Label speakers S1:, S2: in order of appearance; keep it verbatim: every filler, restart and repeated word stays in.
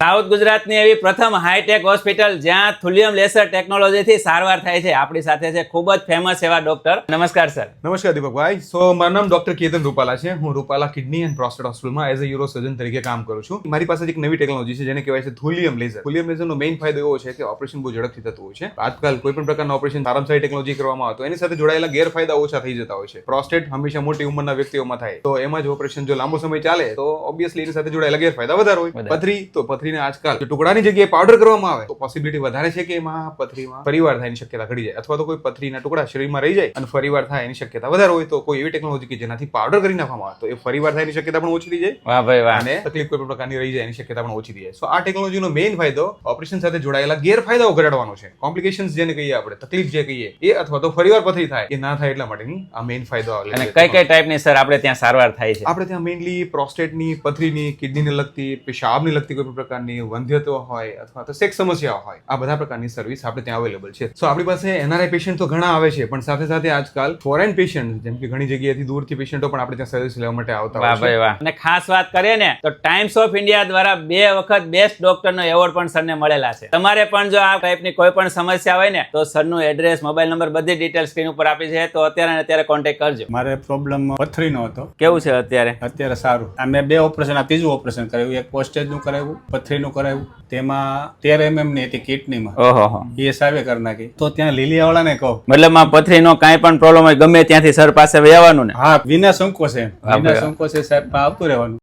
S1: South ગુજરાતની એવી પ્રથમ હાઈટેક હોસ્પિટલ જ્યાં થુલિયમ લેસર ટેકનોલોજીથી સારવાર થાય છે. આપણી સાથે છે ખૂબ જ ફેમસ એવા ડોક્ટર. નમસ્કાર સર.
S2: નમસ્કાર દીપકભાઈ. સો મારું નામ ડોક્ટર કેતન રૂપાલા છે. હું રૂપાલા કિડની એન્ડ પ્રોસ્ટેટ હોસ્પિટલમાં એઝ અ યુરો સર્જન તરીકે કામ કરું છું. મારી પાસે એક નવી ટેકનોલોજી છે જેને કહેવાય છે થુલિયમ લેસર. થુલિયમ લેસરનો મેઇન ફાયદો એવો છે કે ઓપરેશન બહુ ઝડપથી થતું હોય છે. આજકાલ કોઈ પણ પ્રકારના ઓપરેશન સારામાં સારી ટેકનોલોજી કરવામાં આવે તો એની સાથે જોડાયેલા ગેરફાયદા ઓછા થઈ જતા હોય છે. પ્રોસ્ટેટ હંમેશા મોટી ઉંમરના વ્યક્તિઓમાં થાય તો એમાં જ ઓપરેશન જો લાંબો સમય ચાલે તો ઓબ્વિયસલી એની સાથે જોડાયેલા ગેરફાયદા વધારે હોય. પથરી તો પથરીને આજકાલ ટુકડાની જગ્યાએ પાવડર કરવામાં આવે તો પોસિબિલિટી વધારે છે કે એમાં પથરીમાં ફરીવાર થાય એની શક્યતા ઘટી જાય, અથવા તો કોઈ પથરીના ટુકડા શરીરમાં રહી જાય અને ફરીવાર થાય એની શક્યતા વધારે હોય તો કોઈ એવી ટેકનોલોજી કે જેનાથી પાવડર કરી નાખવામાં આવે તો એ ફરીવાર થાય એની શક્યતા પણ ઓછી થઈ જાય.
S1: વાહ ભાઈ વાહ.
S2: અને તકલીફ કોઈ પણ પ્રકારની રહી જાય એની શક્યતા પણ ઓછી થઈ જાય. સો આ ટેકનોલોજીનો મેઇન ફાયદો ઓપરેશન સાથે જોડાયેલા ગેરફાયદાઓ ઘટાડવાનો છે. કોમ્પ્લિકેશન્સ જેને કહીએ આપણે, તકલીફ જે કહીએ એ અથવા તો ફરીવાર પથરી થાય એ ના થાય એટલા માટેની આ મેઇન ફાયદો આવે.
S1: અને કઈ કઈ ટાઈપની સર આપણે ત્યાં સારવાર થાય છે?
S2: આપણે ત્યાં મેઇનલી પ્રોસ્ટેટની, પથરીની, કિડનીને લગતી, પેશાબની લગતી કોઈ પણ પ્રકારની વંધ્યત્વ હોય અથવા તો સેક્સ સમસ્યાઓ હોય, આ બધા પ્રકારની સર્વિસ આપણે ત્યાં અવેલેબલ છે. સો આપણી પાસે એનઆરઆઈ પેશન્ટ તો ઘણા આવે છે, પણ સાથે સાથે આજકાલ ફોરેન પેશન્ટ જેમ કે ઘણી જગ્યાએથી દૂરથી પેશન્ટો પણ આપણે ત્યાં સર્વિસ લેવા માટે આવતા હોય છે.
S1: વાહ ભાઈ વાહ. અને ખાસ વાત કરીએ ને તો ટાઈમ્સ ઓફ ઇન્ડિયા દ્વારા બે વખત બેસ્ટ ડોક્ટરનો એવોર્ડ પણ સરને મળેલા છે. તમારે પણ જો આ ટાઈપની કોઈ પણ સમસ્યા હોય ને તો સરનું એડ્રેસ, મોબાઈલ નંબર, બધી ડિટેલ સ્ક્રીન ઉપર આપી છે, તો અત્યારે ને અત્યારે કોન્ટેક્ટ કરજો.
S3: મારે પ્રોબ્લેમ પથરીનો હતો.
S1: કેવું છે અત્યારે?
S3: અત્યારે સારું. આ મેં બે ઓપરેશન, આ ત્રીજું ઓપરેશન કરાવ્યું. એક પોસ્ટેજનું કરાવ્યું, પથરીનું કરાવ્યું. તેમાં તેર એમએમ ની હતી કિડનીમાં.
S1: ઓહો.
S3: એ સાવે કરી નાખી. તો ત્યાં લીલિયાવાળાને કહો,
S1: મતલબ આ પથરીનો કાંઈ પણ પ્રોબ્લેમ હોય ગમે ત્યાંથી સર પાસે આવવાનું ને?
S3: હા, વિના સંકોચે
S1: હા,
S3: વિના
S1: બરાબર.
S3: સંકોચે સાહેબ આવતું રહેવાનું.